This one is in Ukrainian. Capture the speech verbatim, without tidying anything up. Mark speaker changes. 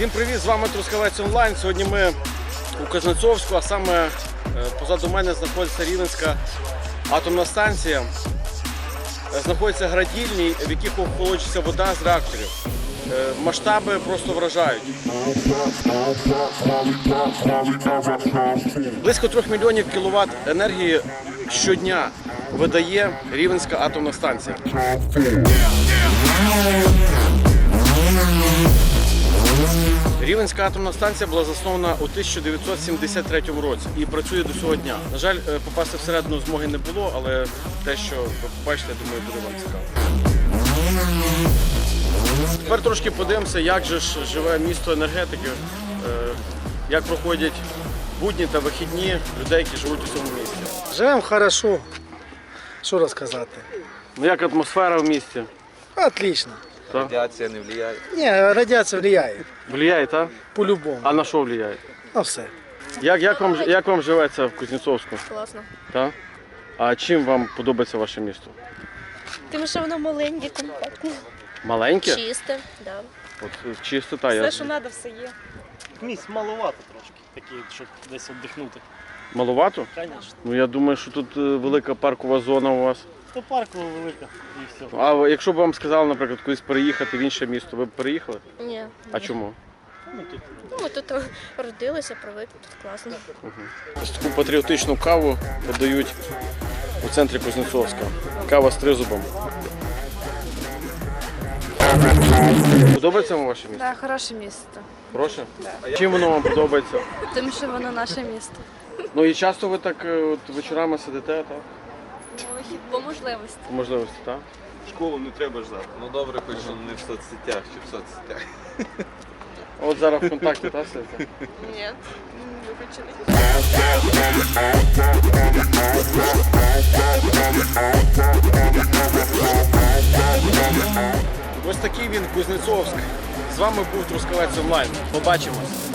Speaker 1: Всім привіт, з вами Трускавець онлайн. Сьогодні ми у Кузнецовську, а саме позаду мене знаходиться Рівненська атомна станція. Знаходяться градільні, в яких охолоджується вода з реакторів. Масштаби просто вражають. Близько трьох мільйонів кіловат енергії щодня видає Рівненська атомна станція. Рівненська атомна станція була заснована у тисяча дев'ятсот сімдесят третьому році і працює до цього дня. На жаль, попасти всередину змоги не було, але те, що ви побачите, я думаю, буде вам цікаво. Тепер трошки подивимося, як же ж живе місто енергетики, як проходять будні та вихідні людей, які живуть у цьому місті.
Speaker 2: Живемо хорошо. Що розказати?
Speaker 1: Ну як атмосфера в місті?
Speaker 2: Отлично.
Speaker 1: Так?
Speaker 3: Радиация не влияет.
Speaker 2: Ні, радіація впливає.
Speaker 1: Влияє, так?
Speaker 2: По-любому.
Speaker 1: А на що впливає?
Speaker 2: На все.
Speaker 1: Як, як, вам, як вам живеться в Кузнецовську?
Speaker 4: Класно.
Speaker 1: Так? А чим вам подобається ваше місто?
Speaker 4: Тим, що воно маленьке, компактне.
Speaker 1: Маленьке?
Speaker 4: Чисте, да.
Speaker 1: От чисто, та я.
Speaker 4: Все, що треба, все є.
Speaker 5: Місць маловато трошки, такі, щоб десь віддихнути.
Speaker 1: Маловато?
Speaker 5: Звісно.
Speaker 1: Ну я думаю, що тут е, велика паркова зона у вас.
Speaker 5: То паркова велика і все.
Speaker 1: А якщо б вам сказали, наприклад, кудись переїхати в інше місто, ви б переїхали?
Speaker 4: Ні.
Speaker 1: А
Speaker 4: ні.
Speaker 1: чому?
Speaker 5: Ну, тут
Speaker 4: Ну, ми тут родилися, привикли, тут класно.
Speaker 1: Ось таку патріотичну каву подають у центрі Кузнецовська. Кава з тризубом. Подобається вам ваше місто?
Speaker 6: Так, хороше місто.
Speaker 1: Хороше? Чим воно вам подобається?
Speaker 6: Тим, що воно наше місто.
Speaker 1: Ну і часто ви так е, от, вечорами сидите, так?
Speaker 6: По можливості.
Speaker 1: По можливості, так?
Speaker 3: Школу не треба ждати. Ну добре, хоч що не в соцсетях чи в соцсетях.
Speaker 1: От зараз в контакті, так, сидите?
Speaker 6: Ні, виключений.
Speaker 1: Ось такий він Кузнецовськ. З вами був Трускавець онлайн. Побачимось.